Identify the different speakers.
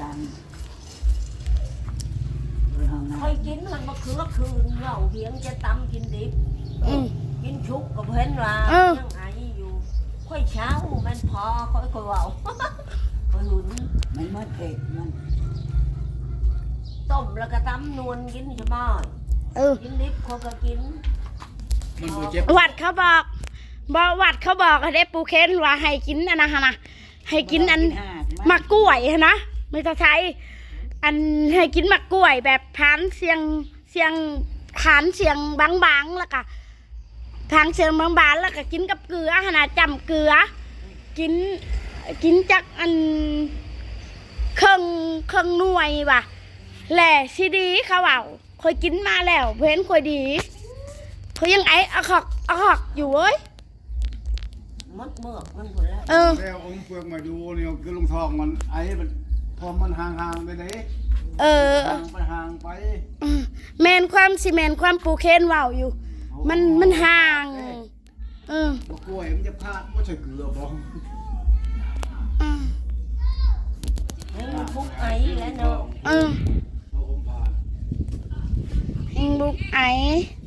Speaker 1: กัน
Speaker 2: ค่อยกินมันมาคืนเราเพียงจะตำกินดิบกินชุกกับเห็นว่ายังไงอยู่ค่อยเช้ามันพอค่อยเบาค่อยหุ่น
Speaker 1: มันเมื่อเด็กมัน
Speaker 2: ต้มแล้วก็ตำนวลกินจะบ่กินดิบเขาก็กิน
Speaker 3: วัดเขาบอกวัดเขาบอกให้ปูเค้นว่าให้กินอันนะฮะนะให้กินอันมะกล้วยนะไม่ต้องใช้อันให้กินมะกล้วยแบบผานเสียงผานเสียงบางๆแล้วก็ผานเสียงบางๆแล้วก็กินกับเกลือฮะนะจำเกลือกินจากอันเครื่องหน่วยว่ะแหล่ซีดีเขาเอาเคยกินมาแล้วเพื่อนเคยดีเขายังไอ้อะขอกอยู่เว้ย
Speaker 2: มดเมือกมันหมดแล้ว
Speaker 4: แล้วองค์เปลือกมาดูเนี่ยคือลุงทองมันไอ้มันพอมันห่างๆไปเลยห่างไป
Speaker 3: แมนความปูเคนว่าวอยู่มันห่าง
Speaker 4: กล้วยมันจะพลาดไม่ใช่เกลือบ้อง
Speaker 2: บุกไอ้แล้วเนาะ
Speaker 3: บุกไอ